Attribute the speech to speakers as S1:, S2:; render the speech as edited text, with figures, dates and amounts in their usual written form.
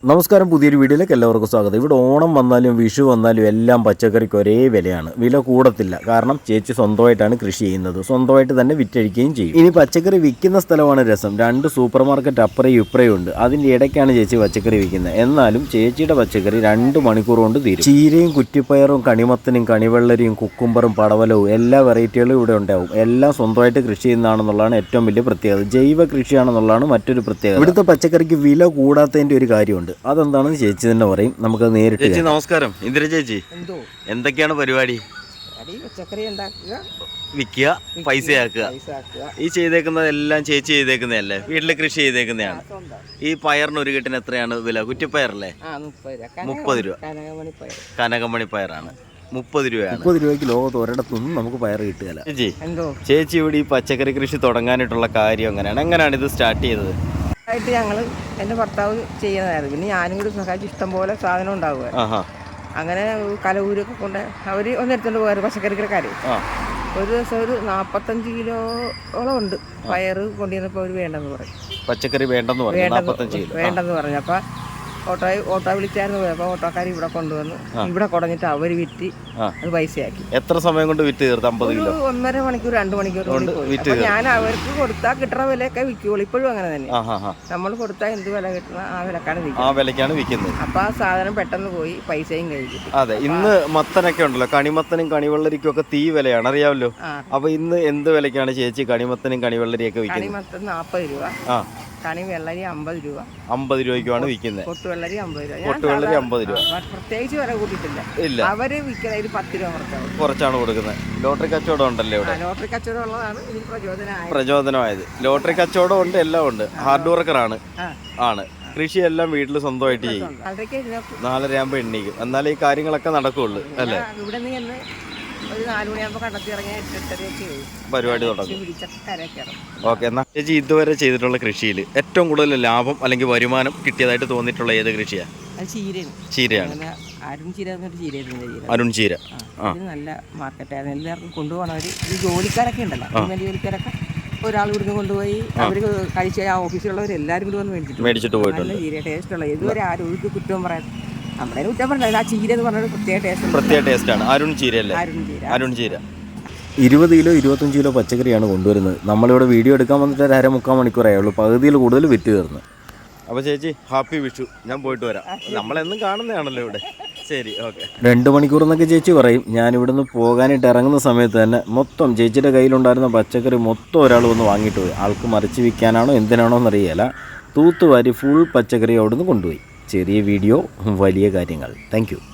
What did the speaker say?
S1: നമസ്കാരം, പുതിയൊരു വീഡിയോയിലേക്ക് എല്ലാവർക്കും സ്വാഗതം. ഇവിടെ ഓണം വന്നാലും വിഷു വന്നാലും എല്ലാം പച്ചക്കറിക്ക് ഒരേ വിലയാണ്. വില കൂടത്തില്ല. കാരണം ചേച്ചി സ്വന്തമായിട്ടാണ് കൃഷി ചെയ്യുന്നത്, സ്വന്തമായിട്ട് തന്നെ വിറ്റഴിക്കുകയും ചെയ്യും. ഇനി പച്ചക്കറി വിൽക്കുന്ന സ്ഥലമാണ് രസം. 2 സൂപ്പർ മാർക്കറ്റ് അപ്പുറയും ഇപ്പുറയും ഉണ്ട്. അതിൻ്റെ ഇടയ്ക്കാണ് ചേച്ചി പച്ചക്കറി വിൽക്കുന്നത്. എന്നാലും ചേച്ചിയുടെ പച്ചക്കറി 2 മണിക്കൂർ കൊണ്ട് തീരും. ചീരയും കുറ്റിപ്പയറും കണിമത്തനും കണിവെള്ളരിയും കുക്കുംബറും പടവലവും എല്ലാ വെറൈറ്റികളും ഇവിടെ ഉണ്ടാവും. എല്ലാം സ്വന്തമായിട്ട് കൃഷി ചെയ്യുന്നതാണെന്നുള്ളതാണ് ഏറ്റവും വലിയ പ്രത്യേകത. ജൈവ കൃഷിയാണെന്നുള്ളതാണ് മറ്റൊരു പ്രത്യേകത. ഇവിടുത്തെ പച്ചക്കറിക്ക് വില കൂടാത്തതിൻ്റെ ഒരു കാര്യമുണ്ട്. അതെന്താണെന്ന് ചേച്ചി തന്നെ പറയും. നമുക്ക് നേരിട്ട്. ചേച്ചി നമസ്കാരം. ഇന്ദിര ചേച്ചി, എന്തൊക്കെയാണ് പരിപാടി?
S2: പച്ചക്കറി ഉണ്ടാക്കുക,
S1: വിൽക്കുക, പൈസയാക്കുക. ഈ ചെയ്തേക്കുന്നതെല്ലാം ചേച്ചി ചെയ്തേക്കുന്നതല്ലേ? വീട്ടില് കൃഷി ചെയ്തേക്കുന്നതാണ്. ഈ പയറിന് ഒരു കെട്ടിന് എത്രയാണ് വില? കുറ്റിപ്പയറല്ലേ? 30 രൂപ. കനകമണി പയറാണ് 30 രൂപയാണ്. 30 രൂപയ്ക്ക് ലോകത്ത് ഒരിടത്തൊന്നും നമുക്ക് പയർ കിട്ടുകയില്ല. ചേച്ചി ഇവിടെ ഈ പച്ചക്കറി കൃഷി തുടങ്ങാനായിട്ടുള്ള കാര്യം എങ്ങനെയാണ് ഇത് സ്റ്റാർട്ട് ചെയ്തത്?
S2: ആയിട്ട് ഞങ്ങൾ എൻ്റെ ഭർത്താവ് ചെയ്യുന്നതായിരുന്നു. പിന്നെ ഞാനും കൂടി സഹായിച്ച് ഇഷ്ടംപോലെ സാധനം ഉണ്ടാകുമായിരുന്നു. അങ്ങനെ കലവൂരൊക്കെ കൊണ്ട് അവർ ഒന്നെടുത്തോണ്ട് പോകാറ് പച്ചക്കറിക്കാർ. ഒരു ദിവസം ഒരു 45 കിലോളം ഉണ്ട് പയറ് കൊണ്ടുവന്നപ്പോൾ അവർ വേണ്ടെന്ന് പറയും.
S1: പച്ചക്കറി വേണ്ടെന്ന്
S2: പറഞ്ഞു. അപ്പോൾ ഓട്ടോ വിളിച്ചായിരുന്നു പോയി. അപ്പോൾ ഓട്ടോക്കാർ ഇവിടെ കൊണ്ടുവന്ന് ഇവിടെ കുടഞ്ഞിട്ട് അവർ വിറ്റ് അത് പൈസയാക്കി.
S1: എത്ര സമയം കൊണ്ട് വിറ്റ് തീർത്ത്? 50 കിലോ
S2: 1.5 മണിക്കൂർ 2 മണിക്കൂർ. ഞാൻ അവർക്ക് കൊടുത്താൽ കിട്ടുന്ന വിലയൊക്കെ വിൽക്കുള്ളൂ. ഇപ്പോഴും അങ്ങനെ തന്നെ. നമ്മൾ കൊടുത്താൽ എന്ത് വില കിട്ടുന്ന ആ വിലക്കാണ് വിൽക്കുന്നത്. അപ്പൊ ആ സാധനം പെട്ടെന്ന് പോയി പൈസയും കഴിക്കും.
S1: അതെ, ഇന്ന് മത്തനൊക്കെ ഉണ്ടല്ലോ, കണിമത്തനും കണിവെള്ളരിക്കും ഒക്കെ തീ വിലയാണ്, അറിയാമല്ലോ. അപ്പൊ ഇന്ന് എന്ത് വിലക്കാണ് ചേച്ചി കണിമത്തനും കണിവെള്ളരിയൊക്കെ വിൽക്കുന്നത്?
S2: കണിമത്തൻ 40 രൂപ, കണി വെള്ളരി 50 രൂപ.
S1: 50 രൂപയ്ക്കാണ് വിൽക്കുന്നത്.
S2: പൊട്ടുവെള്ളരി 50 രൂപ.
S1: പൊട്ടുവെള്ളരി 50 രൂപ.
S2: പ്രത്യേകിച്ച് വില കൂട്ടിയിട്ടില്ല. ഇല്ല, അവര് വിൽക്കുന്നത് 10 രൂപ
S1: കുറച്ചാണ് കൊടുക്കുന്നത്. ലോട്ടറി കച്ചവടം ഉണ്ടല്ലോ ഇവിടെ.
S2: ലോട്ടറി കച്ചവടം ഉള്ളതാണ്
S1: പ്രചോദനമായത്. ലോട്ടറി കച്ചവടം ഉണ്ട്, എല്ലാം ഉണ്ട്. ഹാർഡ് വർക്കറാണ് ആണ്. കൃഷിയെല്ലാം വീട്ടിൽ സ്വന്തമായിട്ട് ചെയ്യും. 4:30 ആകുമ്പോൾ എണ്ണീക്കും. എന്നാലേ ഈ കാര്യങ്ങളൊക്കെ നടക്കുള്ളൂ, അല്ലേ?
S2: ഇവിടെ നിന്ന് ഒരു 4 മണിയാകുമ്പോൾ കണ്ടെത്തി ഇറങ്ങിയ 8:30
S1: പരിപാടി തുടങ്ങും. ഓക്കെ, എന്നാൽ ചേച്ചി ഇതുവരെ ചെയ്തിട്ടുള്ള കൃഷിയിൽ ഏറ്റവും കൂടുതൽ ലാഭം അല്ലെങ്കിൽ വരുമാനം കിട്ടിയതായിട്ട് തോന്നിയിട്ടുള്ള ഏത് കൃഷിയാണ്? ചീരയാണ്. അരുൺ ചീര
S2: നല്ല മാർക്കറ്റായിരുന്നു. എല്ലാവർക്കും കൊണ്ടുപോകണവർ ഈ ജോലിക്കാരൊക്കെ ഉണ്ടല്ലോ, ജോലിക്കാരൊക്കെ ഒരാൾ ഇവിടുന്ന് കൊണ്ടുപോയി അവർ കഴിച്ച ആ ഓഫീസിലുള്ളവർ എല്ലാവരും കൂടി വന്ന് മേടിച്ചിട്ട് പോയിട്ടുണ്ട്. ചീര ടേസ്റ്റുള്ള ഇതുവരെ ആരും ഒരു കുറ്റവും പറയാൻ നമ്മുടെ കുറ്റം പറഞ്ഞില്ല. ആ ചീര എന്ന് പറഞ്ഞൊരു പ്രത്യേക ടേസ്റ്റാണ്.
S1: അരുൺ ചീര അല്ലേ? അരുൺ ചീര 20 കിലോ 25 കിലോ പച്ചക്കറിയാണ് കൊണ്ടുവരുന്നത്. നമ്മളിവിടെ വീഡിയോ എടുക്കാൻ വന്നിട്ട് 1.5-3 മണിക്കൂറായേ ഉള്ളൂ. പകുതിയിൽ കൂടുതൽ വിറ്റ് തീർന്നു. അപ്പോൾ ചേച്ചി ഹാപ്പി വിഷു. ഞാൻ പോയിട്ട് വരാം. നമ്മളെന്നും കാണുന്നതാണല്ലോ ഇവിടെ. ശരി, ഓക്കെ. 2 മണിക്കൂർ എന്നൊക്കെ ചേച്ചി പറയും. ഞാൻ ഇവിടുന്ന് പോകാനായിട്ട് ഇറങ്ങുന്ന സമയത്ത് തന്നെ മൊത്തം ചേച്ചിയുടെ കയ്യിലുണ്ടായിരുന്ന പച്ചക്കറി മൊത്തം ഒരാൾ വന്ന് വാങ്ങിയിട്ട് പോയി. ആൾക്ക് മറിച്ച് വിൽക്കാനാണോ എന്തിനാണോ എന്നറിയില്ല. തൂത്തുവാരി ഫുൾ പച്ചക്കറി അവിടുന്ന് കൊണ്ടുപോയി. ചെറിയ വീഡിയോ, വലിയ കാര്യങ്ങൾ. Thank U.